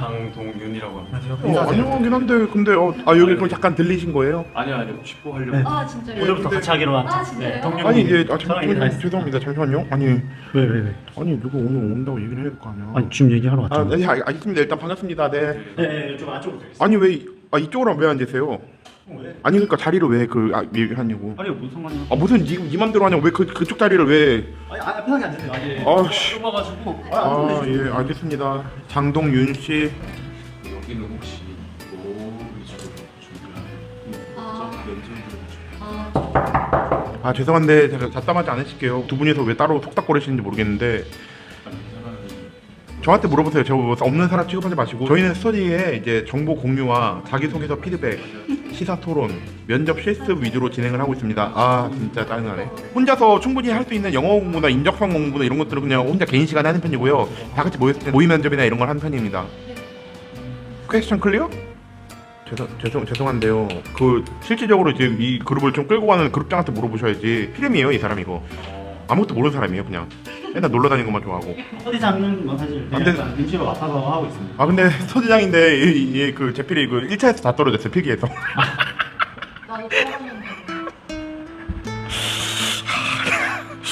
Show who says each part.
Speaker 1: 장동윤이라고 합니다.
Speaker 2: 안녕하긴 한데 근데 여기 그럼 잠깐 들리신 거예요?
Speaker 1: 아니요 쥐뽀 하려고.
Speaker 3: 네.
Speaker 4: 아 진짜요?
Speaker 3: 오늘부터 같이 하기로 한.
Speaker 4: 아, 진짜요?
Speaker 3: 동료.
Speaker 2: 아니 예,
Speaker 3: 저랑 얘기 다 했어요.
Speaker 2: 죄송합니다. 잠시만요. 아니
Speaker 3: 왜?
Speaker 2: 아니 누가 오늘 온다고 얘기를 해야 될 거 아니야.
Speaker 3: 아니 지금 얘기하러 왔잖아.
Speaker 2: 네, 알겠습니다. 일단 반갑습니다. 네.
Speaker 3: 네, 좀 안쪽으로 되겠습니다.
Speaker 2: 아니 왜 이쪽으로 왜 앉으세요?
Speaker 3: 왜?
Speaker 2: 아니 그러니까 자리를 왜 얘기하냐고.
Speaker 3: 아니 무슨 상관이야?
Speaker 2: 무슨 네 맘대로 하냐고 왜 그쪽 자리를 왜?
Speaker 3: 아니 편하게 앉으세요. 아니.
Speaker 2: 아씨.
Speaker 3: 좁아가지고.
Speaker 2: 예 알겠습니다. 장동윤 씨.
Speaker 1: 여기는 혹시 뭐 위주로 준비한
Speaker 4: 아.
Speaker 1: 면접을
Speaker 4: 아,
Speaker 2: 죄송한데 제가 잡담하지 않으실게요. 두 분이서 왜 따로 속닥거리시는지 모르겠는데
Speaker 1: 이 사람이
Speaker 2: 저한테 물어보세요. 저 없는 사람 취급하지 마시고 저희는 스터디에 이제 정보 공유와 자기소개서 피드백, 시사 토론, 면접 실습 위주로 진행을 하고 있습니다. 진짜 짜증나네. 혼자서 충분히 할 수 있는 영어 공부나 인적성 공부나 이런 것들은 그냥 혼자 개인 시간에 하는 편이고요. 다 같이 모였을 때 모의 면접이나 이런 걸 하는 편입니다. 퀘스천 클리어? 죄송한데요. 그 실질적으로 지금 이 그룹을 좀 끌고 가는 그룹장한테 물어보셔야지. 피렘이에요 이 사람 이거. 아무것도 모르는 사람이에요 그냥. 맨날 놀러 다니는 것만 좋아하고.
Speaker 3: 서디장은 뭐 사실
Speaker 2: 안 돼.
Speaker 3: 그냥 임시로 맡아서 하고 있습니다.
Speaker 2: 근데 서지장인데 그 제필이 그 1차에서 다 떨어졌어요 필기에서.
Speaker 4: 나도 떨어졌는데.